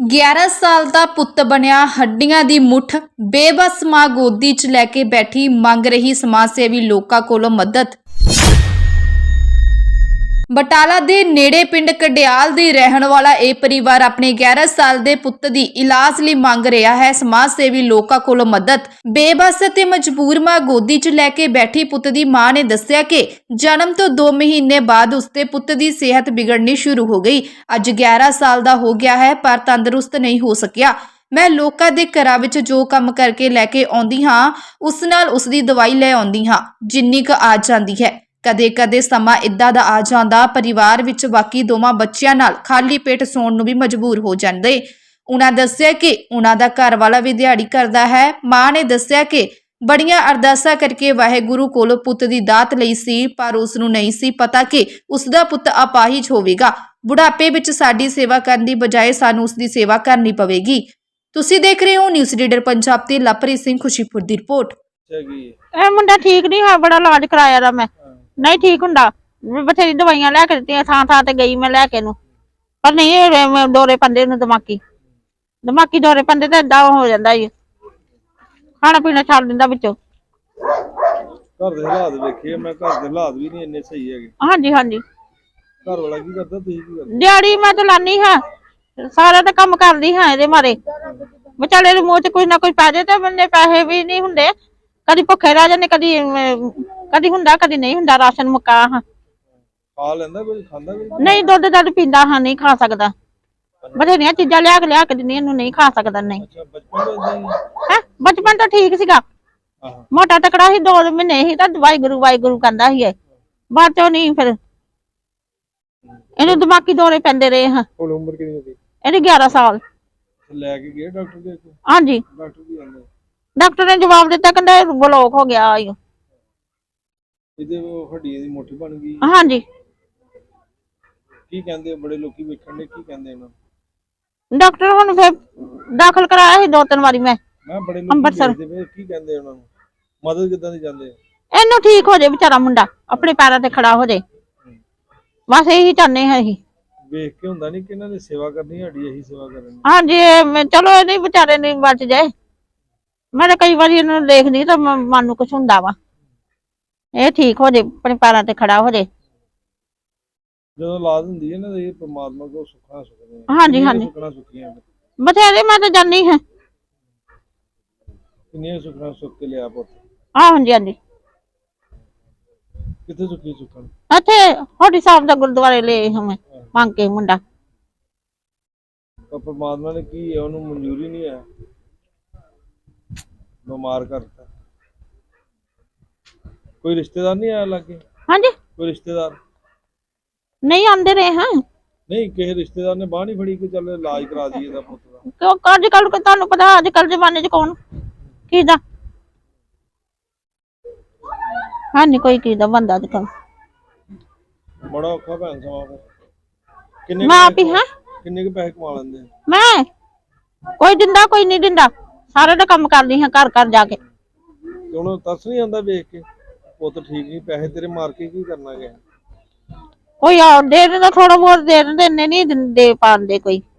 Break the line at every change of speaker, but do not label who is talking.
11 ਸਾਲ ਦਾ ਪੁੱਤ ਬਣਿਆ ਹੱਡੀਆਂ ਦੀ ਮੁੱਠ ਬੇਬਸ ਮਾਂ ਗੋਦੀ 'ਚ ਲੈ ਕੇ ਬੈਠੀ ਮੰਗ ਰਹੀ ਸਮਾਜ ਸੇਵੀ ਲੋਕਾਂ ਕੋਲੋਂ ਮਦਦ। ਬਟਾਲਾ ਦੇ ਨੇੜੇ ਪਿੰਡ ਕਡਿਆਲ ਦੀ ਰਹਿਣ ਵਾਲਾ ਇਹ ਪਰਿਵਾਰ ਆਪਣੇ 11 ਸਾਲ ਦੇ ਪੁੱਤ ਦੀ ਇਲਾਜ ਲਈ ਮੰਗ ਰਿਹਾ ਹੈ ਸਮਾਜ ਸੇਵੀ ਲੋਕਾਂ ਕੋਲੋਂ ਮਦਦ। ਬੇਬਸ ਤੇ ਮਜਬੂਰ ਮਾਂ ਗੋਦੀ 'ਚ ਲੈ ਕੇ ਬੈਠੀ ਪੁੱਤ ਦੀ ਮਾਂ ਨੇ ਦੱਸਿਆ ਕਿ ਜਨਮ ਤੋਂ 2 ਮਹੀਨੇ ਬਾਅਦ ਉਸਦੇ ਪੁੱਤ ਦੀ ਸਿਹਤ ਵਿਗੜਨੀ ਸ਼ੁਰੂ ਹੋ ਗਈ। ਅੱਜ 11 ਸਾਲ ਦਾ ਹੋ ਗਿਆ ਹੈ ਪਰ ਤੰਦਰੁਸਤ ਨਹੀਂ ਹੋ ਸਕਿਆ। ਮੈਂ ਲੋਕਾਂ ਦੇ ਘਰਾਂ ਵਿੱਚ ਜੋ ਕੰਮ ਕਰਕੇ ਲੈ ਕੇ ਆਉਂਦੀ ਹਾਂ ਉਸ ਨਾਲ ਉਸ ਦੀ ਦਵਾਈ ਲੈ ਆਉਂਦੀ ਹਾਂ ਜਿੰਨੀ ਕੁ ਆ ਜਾਂਦੀ ਹੈ। ਕਦੇ-ਕਦੇ ਸਮਾਂ ਇਦਾਂ ਦਾ ਆ ਜਾਂਦਾ ਪਰਿਵਾਰ ਵਿੱਚ ਬਾਕੀ ਦੋਵਾਂ ਬੱਚਿਆਂ ਨਾਲ ਖਾਲੀ ਪੇਟ ਸੌਣ ਨੂੰ ਵੀ ਮਜਬੂਰ ਹੋ ਜਾਂਦੇ। ਉਹਨਾਂ ਦੱਸਿਆ ਕਿ ਉਹਨਾਂ ਦਾ ਘਰ ਵਾਲਾ ਵੀ ਦਿਹਾੜੀ ਕਰਦਾ ਹੈ। ਮਾਂ ਨੇ ਦੱਸਿਆ ਕਿ ਬੜੀਆਂ ਅਰਦਾਸਾਂ ਕਰਕੇ ਵਾਹਿਗੁਰੂ ਕੋਲੋਂ ਪੁੱਤ ਦੀ ਦਾਤ ਲਈ ਸੀ ਪਰ ਉਸ ਨੂੰ ਨਹੀਂ ਸੀ ਪਤਾ ਕਿ ਉਸ ਦਾ ਪੁੱਤ ਅਪਾਹਿਜ ਹੋਵੇਗਾ। ਬੁਢਾਪੇ ਵਿੱਚ ਸਾਡੀ ਸੇਵਾ ਕਰਨ ਦੀ ਬਜਾਏ ਸਾਨੂੰ ਉਸ ਦੀ ਸੇਵਾ ਕਰਨੀ ਪਵੇਗੀ। ਤੁਸੀਂ ਦੇਖ ਰਹੇ ਹੋ ਨਿਊਜ਼ ਰੀਡਰ ਪੰਜਾਬ ਤੇ ਲਵਪ੍ਰੀਤ ਸਿੰਘ ਖੁਸ਼ੀਪੁਰ ਦੀ ਰਿਪੋਰਟ।
ਇਹ ਮੁੰਡਾ ਠੀਕ ਨਹੀਂ ਹੈ, ਬੜਾ ਇਲਾਜ ਕਰਾਇਆ ਦਾ ਮੈਂ, ਨਹੀਂ ਠੀਕ ਹੁੰਦਾ। ਬਥੇਰੀ ਦਵਾਈਆਂ ਲੈ ਕੇ ਦਿੱਤੀਆਂ, ਥਾਂ ਤੇ ਗਈ ਮੈਂ ਲੈ ਕੇ ਨੂੰ, ਪਰ ਨਹੀਂ ਦੌਰੇ ਪੈਂਦੇ ਨੂੰ, ਦਿਮਾਗੀ ਦੌਰੇ ਪੈਂਦੇ ਤੇ ਏਦਾਂ ਹੋ ਜਾਂਦਾ ਜੀ, ਖਾਣਾ ਪੀਣਾ ਛੱਡ ਦਿੰਦਾ ਵਿੱਚੋਂ।
ਘਰ ਦੇ ਹਾਲਾਤ ਵੇਖੇ ਮੈਂ, ਘਰ ਦੇ ਹਾਲਾਤ ਵੀ ਨਹੀਂ ਇੰਨੇ ਸਹੀ ਹੈਗੇ।
ਹਾਂਜੀ ਹਾਂਜੀ।
ਘਰ ਵਾਲਾ ਕੀ ਕਰਦਾ, ਤੁਸੀਂ ਕੀ ਕਰਦੇ?
ਦਿਹਾੜੀ ਮੈਂ ਤਾਂ ਲਾਨੀ ਹਾਂ, ਸਾਰਾ ਤਾਂ ਕੰਮ ਕਰਦੀ ਹਾਂ। ਇਹਦੇ ਮਾਰੇ ਵਿਚਾਲੇ ਦੇ ਮੂੰਹ ਚ ਕੁਝ ਨਾ ਕੁਝ ਪੈ ਜਾਏ ਤੇ ਬੰਦੇ ਪੈਸੇ ਵੀ ਨਹੀਂ ਹੁੰਦੇ, ਕਦੀ ਭੁੱਖੇ ਰਹਿ ਜਾਂਦੇ, ਕਦੀ ਹੁੰਦਾ ਕਦੀ ਨਹੀਂ ਹੁੰਦਾ। ਰਾਸ਼ਨ ਮੁੱਕਾ ਹਾਂ,
ਖਾ ਲੈਂਦਾ ਕੋਈ, ਖਾਂਦਾ ਕੋਈ?
ਨਹੀਂ ਦੁੱਧ ਪੀਂਦਾ ਹਾਂ, ਨਹੀਂ ਖਾ ਸਕਦਾ। ਬਥੇਰੀਆਂ ਚੀਜ਼ਾਂ ਲਿਆ ਕੇ ਦਿੰਦੀਆਂ, ਇਹਨੂੰ ਨਹੀਂ ਖਾ ਸਕਦਾ। ਨਹੀਂ ਹੈ, ਬਚਪਨ ਤਾਂ ਠੀਕ ਸੀਗਾ, ਮੋਟਾ ਤਕੜਾ ਸੀ, 2 ਮਹੀਨੇ ਸੀ ਤਾਂ ਵਾਹਿਗੁਰੂ ਕਹਿੰਦਾ ਸੀ। ਬਾਅਦ ਚੋਂ ਨਹੀਂ, ਫਿਰ ਇਹਨੂੰ ਦਿਮਾਗੀ ਦੌਰੇ ਪੈਂਦੇ ਰਹੇ ਹਾਂ।
ਹੁਣ ਉਮਰ ਕਿੰਨੀ ਹੋ ਗਈ
ਇਹਦੀ? 11 ਸਾਲ।
ਲੈ ਕੇ ਗਏ ਡਾਕਟਰ ਦੇ ਕੋਲ?
ਹਾਂਜੀ।
ਡਾਕਟਰ ਕੀ ਕਹਿੰਦੇ?
ਡਾਕਟਰ ਨੇ ਜਵਾਬ ਦਿੱਤਾ, ਕਹਿੰਦਾ ਬਲੌਕ ਹੋ ਗਿਆ।
ਇਹਦੇ ਹੱਡੀਆਂ ਦੀ ਮੁੱਠ ਬਣ ਗਈ?
ਹਾਂਜੀ।
ਕੀ ਕਹਿੰਦੇ ਬੜੇ ਲੋਕੀ ਵੇਖਣ ਦੇ, ਕੀ ਕਹਿੰਦੇ ਇਹਨਾਂ?
ਡਾਕਟਰ ਹੁਣ ਫਿਰ ਦਾਖਲ ਕਰਾਇਆ ਸੀ 2-3 ਵਾਰੀ ਮੈਂ
ਬੜੇ ਲੋਕੀ
ਅੰਮ੍ਰਿਤਸਰ।
ਦੇਖਦੇ ਕੀ ਕਹਿੰਦੇ ਉਹਨਾਂ ਨੂੰ? ਮਦਦ ਕਿੱਦਾਂ ਦੀ ਜਾਂਦੇ?
ਇਹਨੂੰ ਠੀਕ ਹੋ ਜਾਏ ਵਿਚਾਰਾ, ਮੁੰਡਾ ਆਪਣੇ ਪੈਰਾਂ ਤੇ ਖੜਾ ਹੋ ਜਾਏ, ਬਸ ਇਹੀ ਚਾਹੁੰਦੇ ਹਾਂ ਅਸੀਂ।
ਵੇਖ ਕੇ ਹੁੰਦਾ ਨਹੀਂ ਕਿ ਇਹਨਾਂ ਦੀ ਸੇਵਾ ਕਰਨੀ, ਸਾਡੀ ਇਹੀ ਸੇਵਾ ਕਰਨੀ।
ਹਾਂਜੀ, ਚਲੋ ਇਹਦੇ ਵਿਚਾਰੇ ਨੇ ਬਚ ਜਾਏ। ਮੈਂ ਤਾਂ ਕਈ ਵਾਰੀ ਇਹਨੂੰ ਦੇਖਦੀ ਤਾਂ ਮਨ ਨੂੰ ਕੁਛ ਹੁੰਦਾ ਵਾ, ਇਹ ਠੀਕ ਹੋ ਜਾਏ, ਆਪਣੇ ਪੈਰਾਂ ਤੇ ਖੜਾ ਹੋ ਜਾਏ।
ਜਦੋਂ ਔਲਾਦ ਹੁੰਦੀ ਹੈ ਨਾ, ਇਹ ਪਰਮਾਤਮਾ ਕੋਲ ਸੁੱਖਾਂ ਸੁੱਖਦੇ।
ਹਾਂਜੀ ਹਾਂਜੀ,
ਸੁੱਖਾਂ ਸੁੱਖੀਆਂ
ਬਥੇਰੇ ਮੈਂ ਤਾਂ ਜਾਣੀ ਹਾਂ।
ਕਿੰਨੀਆਂ ਸੁੱਖਾਂ ਸੁੱਖ ਕੇ ਲਿਆ ਪੁੱਤ?
ਹਾਂਜੀ ਹਾਂਜੀ।
ਕਿੱਥੇ ਸੁੱਖੀ ਸੁੱਖਣ?
ਇੱਥੇ ਹੋਡੀ ਸਾਹਿਬ ਦਾ ਗੁਰਦੁਆਰੇ ਲਏ ਹਾਂ ਮੈਂ ਮੰਗ ਕੇ ਮੁੰਡਾ।
ਪਰ ਪਰਮਾਤਮਾ ਨੇ ਕੀ ਹੈ, ਉਹਨੂੰ ਮਨਜ਼ੂਰੀ ਨਹੀਂ ਹੈ, ਬਿਮਾਰ ਕਰਤਾ। ਕੋਈ ਰਿਸ਼ਤੇਦਾਰ ਨਹੀਂ ਆਇਆ ਲਾਗੇ?
ਹਾਂਜੀ।
ਕੋਈ ਰਿਸ਼ਤੇਦਾਰ
ਨਹੀਂ ਆਉਂਦੇ ਰਹੇ ਹਾਂ।
ਨਹੀਂ, ਕਿਸੇ ਰਿਸ਼ਤੇਦਾਰ ਨੇ ਬਾਂਹ ਨਹੀਂ ਫੜੀ ਕਿ ਚੱਲ ਇਲਾਜ ਕਰਾ ਦਈਏ ਦਾ ਪੁੱਤ ਦਾ?
ਕਿਉਂ ਅੱਜ ਕੱਲ ਤੁਹਾਨੂੰ ਪਤਾ, ਅੱਜ ਕੱਲ ਜ਼ਮਾਨੇ ਚ ਕੌਣ ਕਿਹਦਾ ਹਾਂ, ਨਹੀਂ ਕੋਈ ਕਿਹਦਾ ਬੰਦਾ ਅੱਜ ਕੱਲ।
ਬੜਾ ਔਖਾ ਭੈਣ ਸਮਾਂ। ਫਿਰ ਕਿੰਨੇ
ਮੈਂ ਆਪ ਹੀ ਹਾਂ।
ਕਿੰਨੇ ਕੁ ਪੈਸੇ ਕਮਾ ਲੈਂਦੇ?
ਮੈਂ ਕੋਈ ਦਿੰਦਾ ਕੋਈ ਨਹੀਂ ਦਿੰਦਾ, ਸਾਰੇ ਦਾ ਕੰਮ ਕਰਦੀ ਹਾਂ ਘਰ ਘਰ ਜਾ ਕੇ।
ਤੇ ਉਹਨੂੰ ਤਰਸ ਨਹੀਂ ਆਉਂਦਾ ਵੇਖ ਕੇ ਪੁੱਤ ਠੀਕ ਨਹੀਂ, ਪੈਸੇ ਤੇਰੇ ਮਾਰ ਕੇ ਕੀ ਕਰਨਾ ਗਿਆ?
ਕੋਈ ਆ ਦੇ ਦਿੰਦਾ, ਥੋੜਾ ਬਹੁਤ ਦੇ ਦਿੰਦੇ, ਇੰਨੇ ਨਹੀਂ ਦਿੰਦੇ ਪਾਉਂਦੇ ਕੋਈ।